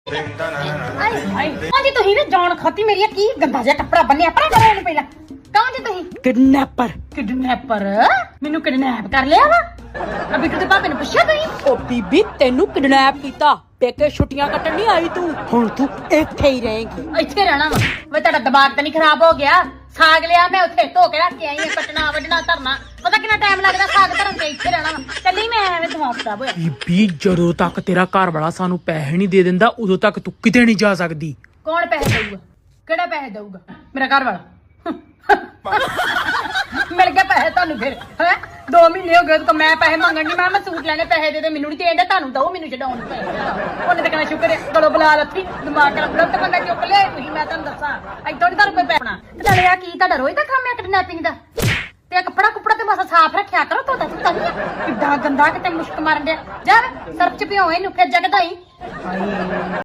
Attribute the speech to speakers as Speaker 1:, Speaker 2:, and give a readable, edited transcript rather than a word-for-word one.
Speaker 1: जी तुही ना जान खाती मेरी की गंदा जिहा कपड़ा बन्निया परा करो ਇਹਨੂੰ ਪਹਿਲਾਂ कहां जी तुही किडनैपर ਮੈਨੂੰ किडनैप कर लिया वा अभी तो पापे ने पूछा तुही
Speaker 2: ओ बीबी तेनू किडनैप कीता पेके छुट्टियां कटन नहीं आई तू हुन तू ਇੱਥੇ ਹੀ ਰਹੇਂਗੀ
Speaker 1: ਇੱਥੇ ਰਹਿਣਾ ਵਾ ਵੇ ਤੁਹਾਡਾ ਦਿਮਾਗ ਤਾਂ ਨਹੀਂ ਖਰਾਬ ਹੋ ਗਿਆ ਸਾਗ ਲਿਆ ਮੈਂ ਉੱਥੇ ਧੋ ਕੇ ਰੱਖ ਕੇ ਆਈ ਆ ਕੱਟਣਾ ਵੱਢਣਾ ਧਰਨਾ ਪਤਾ ਕਿੰਨਾ ਟਾਈਮ ਲੱਗਦਾ ਸਾਗ ਧਰਨ ਤੇ ਇੱਥੇ ਰਹਿਣਾ ਵਾ ਚੱਲੀ ਮੈਂ ਐਵੇਂ ਦਿਮਾਗ ਖਰਾਬ ਹੋਇਆ
Speaker 3: ਬੀਬੀ ਜਦੋਂ ਤੱਕ ਤੇਰਾ ਘਰ ਵਾਲਾ ਸਾਨੂੰ ਪੈਸੇ ਨਹੀਂ ਦੇ ਦਿੰਦਾ ਉਦੋਂ ਤੱਕ ਤੂੰ ਕਿਤੇ ਨਹੀਂ ਜਾ ਸਕਦੀ
Speaker 1: ਕੌਣ ਪੈਸੇ ਦੇਊਗਾ ਕਿਹੜਾ ਪੈਸੇ ਦੇਊਗਾ ਮੇਰਾ ਘਰ ਵਾਲਾ ਮਿਲ ਗਏ ਪੈਸੇ ਤੁਹਾਨੂੰ ਫਿਰ ਹੈ 2 ਮਹੀਨੇ ਹੋ ਗਏ ਤਾਂ ਮੈਂ ਪੈਸੇ ਮੰਗਣ ਦੀ ਮੈਂ ਸੂਟ ਲੈਣੇ ਪੈਸੇ ਦੇ ਮੈਨੂੰ ਨਹੀਂ ਦੇਂਦਾ ਤੁਹਾਨੂੰ ਦਓ ਮੈਨੂੰ ਛਡਾਉਣ ਉਹਨੇ ਤਾਂ ਕਹਿਣਾ ਸ਼ੁਕਰ ਹੈ ਗਲੋ ਬੁਲਾ ਲੱਥੀ ਦਿਮਾਗ ਖਰਾਬ ਬੜਾ ਤਾਂ ਬੰਦਾ ਚੁੱਕ ਲਿਆ ਤੁਸੀਂ ਮੈਂ ਤੁਹਾਨੂੰ ਦੱਸਾਂ ਇੱਥੋਂ ਨਹੀਂ ਤੁਹਾਨੂੰ ਕੋਈ ਪੈਣਾ ਚੱਲ ਆ ਕੀ ਤੁਹਾਡਾ ਰੋਜ਼ ਦਾ ਕੰਮ ਹੈ ਕਿਡਨੈਪਿੰਗ ਦਾ ਤੇ ਕੱਪੜਾ ਤੇ ਬਸ ਸਾਫ਼ ਰੱਖਿਆ ਕਰੋ ਤੁਹਾਡਾ ਤਾਂ ਨਹੀਂ ਕਿੱਦਾਂ ਗੰਦਾ ਕਿਤੇ ਮੁਸ਼ਕ ਮਾਰਨ ਡਿਆ ਜਾ ਸਰਫ ਚ ਭਿਓ ਇਹਨੂੰ ਫਿਰ ਜਗਦਾ ਹੀ ਹਾਏ